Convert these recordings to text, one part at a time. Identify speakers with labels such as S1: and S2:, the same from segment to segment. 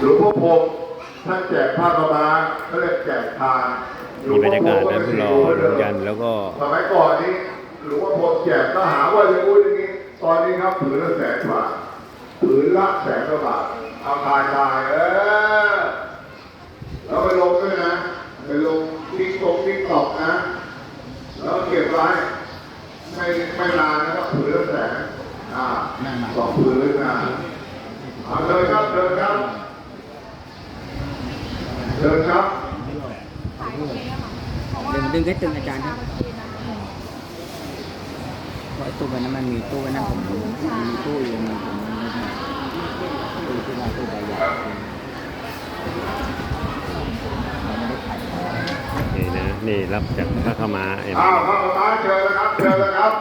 S1: หลวงพ่อพรหมท่านแจกผ้ากำมาเขาเรียกแจกทาน
S2: มีบรรยากาศนะพวกเราลงยันแล้วก็
S1: สมัยก่อนนี้หลวงพ่อพรหมแจกก็หาว่าจะพูดอย่างนี้ตอนนี้ครับผืนละ100,000 บาทผืนละ100,000 กว่าบาทเอาทายแล้วไปลงด้วยนะไปลงติ๊กตอกนะแล้วเก็บไว้ไม่นานนะครับผืนละ100,000 2 ผืนนะเดินครับเดินครับ
S3: ดึงแค่ตึงอาจารย์ครับเพราะตู้นั้นมันมีตู้นั้นผมมีตู้อยู่มันตู้ที่มาตู้ใบใหญ่เราไม่ได้ขาย
S2: นี่นะนี่รับจากพระขมาเอ็ม
S1: พระขมาเชิญเลยครับเชิญเลยครับ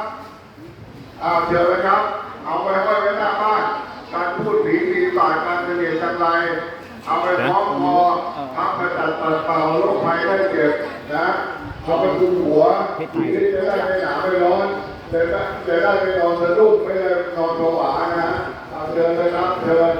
S1: เอาไปห้อยไว้หน้าบ้านการพูดผีปีศาจการเสน่ห์จังไรเอาไปคล้องคอทักกระจัดเป่าโรคภัยไข้เจ็บนะเอาไปคุมหัวผีจะได้ไม่หนาวไม่ร้อนจะได้ไม่นอนสะดุ้งไม่ได้นอนผวานะเชิญเลยครับเชิญ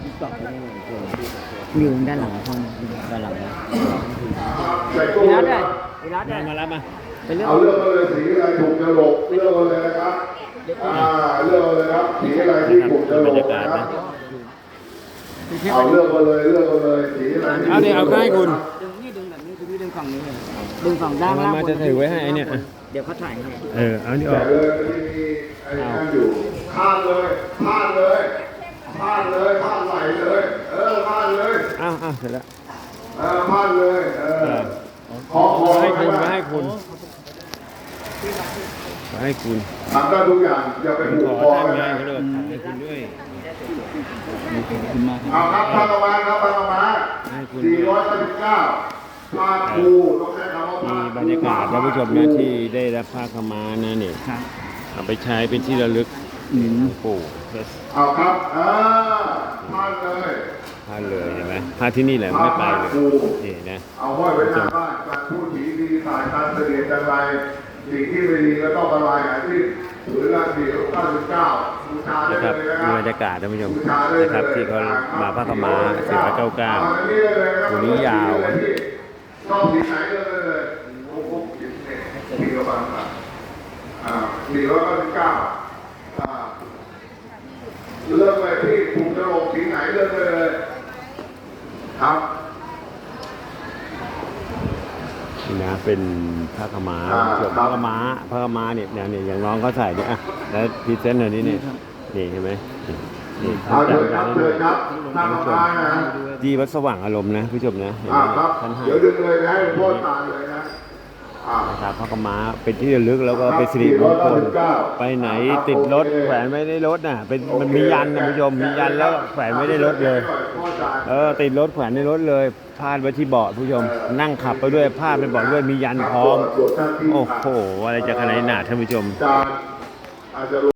S3: อยู่ด้านหลังห้องด้านหลังนะ
S1: พี่นัทเลย
S2: มารับมา
S1: เอาเลือกมาเลยสีอะไรถูกจะหลบเลือกมาเลยนะครับเลือกมาเลยครับสีอะไรที่ถูกจะหลบนะครับเอาเลือกมาเลยสีอะไร
S2: เอาเนี่ยเอาให้คุณ
S3: ดึงแบบนี้ดึงฝั่งนี้เลยดึงฝั่งด้านล่าง
S2: มาจะถือไว้ให้เนี่ย
S3: เดี๋ยวเขาถ่ายให้
S2: เอานี่ออก
S1: เลยมีไอ้นั่นอยู่พลาดเลยพลาดไหลเลยพลาดเลย
S2: เสร็จแล้ว
S1: พลาดเลยขอ
S2: ให้คุณ
S1: ทำได้ทุกอย่างอย่าไปผูกคอ
S2: ให้คุณด้วย
S1: เอาครับพระกมา499พาคูต้องใช้คำว่า
S2: มีบรรยากาศท่านผู้ชมนะที่ได้รับผ้าขมานะเนี่ยเอาไปใช้เป็นที่ระลึกปู่
S1: เอาครับพาเลย
S2: เห็นไหมผ้าที่นี่แหละไม่ไปเลยนี่นะ
S1: เอาห้อยไว้หน้าบ้านการพูดผีดีสายการเสด็จจังไรสิ่งที่ไม่ดีก็ต้องละลายหายที่ถือละ499บูชาได้เลยนะครับ
S2: มีบรรยากาศท่านผู้ชมนะครับที่เขามาผ้าขมา499ตัวนี้ยาว
S1: ชอบสีไหนเลยโอ้โหสีกระบัง499เลือกไปที่ถูกจะลงสีไหนเลือกเลยครับ
S2: นี่นะเป็นผ้าขมาผ้าขมาเนี่ยอย่างน้องเขาใส่เนี่ยแล้วพรีเซนต์หน่อยนี่เห็นไหมนี่
S1: เอาเชิญครับผ้าขมา
S2: ที่วัดสว่างอารมณ์นะผู้ชมนะ
S1: ท่านให้เดี๋ยวดึงเลยนะให้พ่อตาเลยนะ
S2: นะครับพระกมาเป็นที่ระลึกแล้วก็เป็นสิริมงคลไปไหนติดรถแขวนไม่ได้รถน่ะมันมียันนะผู้ชมมียันแล้วแขวนไม่ได้รถเลยติดรถแขวนในรถเลยพาดไว้ที่เบาะผู้ชมนั่งขับไปด้วยพาดไปเบาะด้วยมียันพร้อมโอ้โหอะไรจะขนาดหนาท่านผู้ชม